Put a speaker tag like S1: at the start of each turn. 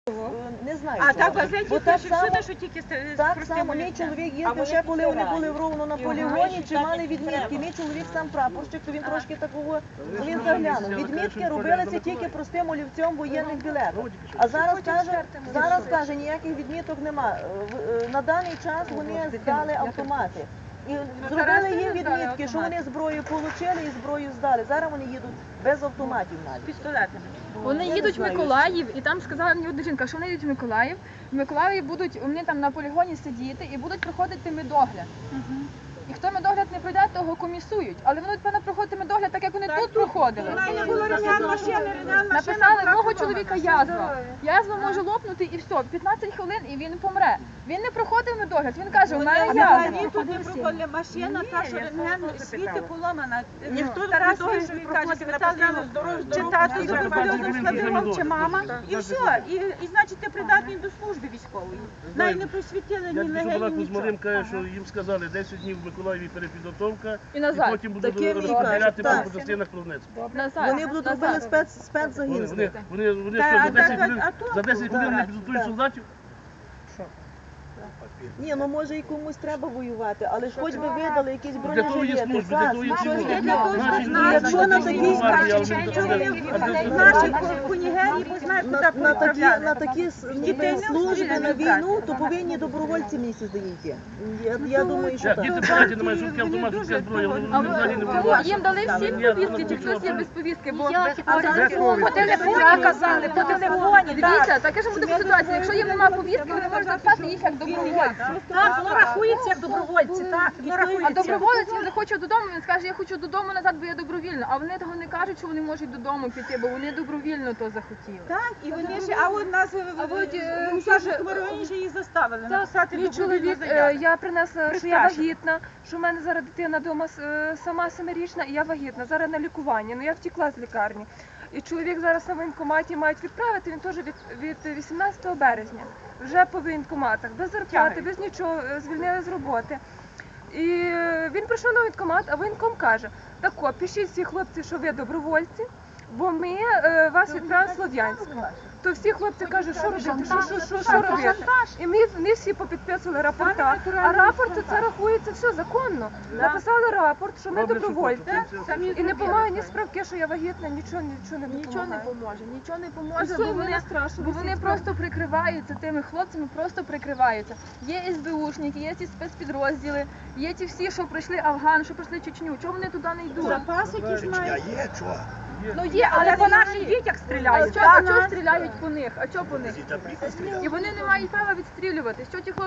S1: Не знаю.
S2: А так газеті
S1: Бо так
S2: пише всюди, що тільки з
S1: так
S2: простим
S1: само мій
S2: олівцем.
S1: чоловік їздив ще, коли вони були в Ровно на полігоні, чи мали відмітки. Мій чоловік сам прапорщик, то він трошки такого, він заглянув. Відмітки робилися тільки простим олівцем воєнних білетів. А зараз каже, ніяких відміток нема. На даний час вони здали автомати. І зробили їм відмітки, що вони зброю отримали і зброю здали. Зараз вони їдуть без автоматів навіть.
S2: Пістолетами.
S3: Вони їдуть в Миколаїв, і там сказала мені одна жінка, що вони їдуть в Миколаїв. В Миколаїві будуть вони там на полігоні сидіти і будуть проходити медогляд. І хто медогляд не пройде, того комісують. Але вони, певно, проходити медогляд так, як вони тут проходили. Написали, мого чоловіка язва. Язва може лопнути і все, 15 хвилин і він помре. Він не проходив медогляд, він каже, у мене язва.
S2: Тут не проходила машина, та, що рентген світи поломана. Ніхто Тарасові, що він каже, чи тато з туберкульозним складиром, чи мама. І все. І значить, ти придатний до служби військової. Навіть не просвітили ні легені, нічого.
S4: Каже, що їм сказали 10 днів в Миколаєві перепідготовка,
S3: І
S4: і
S3: назад.
S4: потім будуть
S1: Таке
S4: розстріляти
S1: так.
S4: по частинах Кровницького.
S1: Вони будуть робити спецзагін.
S4: Вони що, за 10 хвилин не підготують солдатів?
S1: Ні, ну може і комусь треба воювати, але ж хоч би видали якісь
S4: Для того є
S1: бронежилети,
S4: служби, для того є служби.
S1: Якщо на такій
S2: Наші кунігерії знають, куди
S1: на такі служби, на війну, то повинні добровольці, мені здається. Я думаю, що так.
S4: Діти поняття немає, що таке автомат, що таке зброя, вони взагалі не воюють.
S3: Їм дали всі повістки, чи хтось є без повістки, бо
S2: по телефоні казали, по телефоні.
S3: Дивіться, таке ж буде ситуація, якщо їм немає повістки, вони можуть записати їх як добровольці.
S2: Так, воно рахується як добровольці, так.
S3: А доброволець, він захоче додому, він скаже, я хочу додому назад, бо я добровільно. А вони того не кажуть, що вони можуть додому піти, бо вони добровільно то захотіли.
S2: Так, і вони ще, а от нас в Усажівському районі ще її заставили написати
S3: Мій чоловік, я принесла, що я вагітна, що в мене зараз дитина вдома сама 7-річна, і я вагітна, зараз на лікуванні, ну я втекла з лікарні. І чоловік зараз на воєнкоматі мають відправити, він теж від 18 березня, вже по воєнкоматах, без зарплати, без нічого, звільнили з роботи. І він прийшов на воєнкомат, а воєнком каже, так о, пишіть всі хлопці, що ви добровольці, бо ми вас відправимо в Слов'янськ. То всі хлопці кажуть, що робити, що робити. І ми всі попідписували рапорта, а рапорт це рахується все законно. Написали рапорт, що ми добровольці, і не помагає ні справки, що я вагітна, нічого не поможе, бо вони просто прикриваються тими хлопцями, просто прикриваються. Є СБУшники, є ці спецпідрозділи, є ті всі, що пройшли Афган, що пройшли Чечню, чому вони туди не йдуть?
S2: запас якийсь мають.
S3: Ну є, але
S2: по наших дітях стріляють.
S3: А чого стріляють по них? А чого по них? І вони не мають права відстрілювати. Що ті хлопці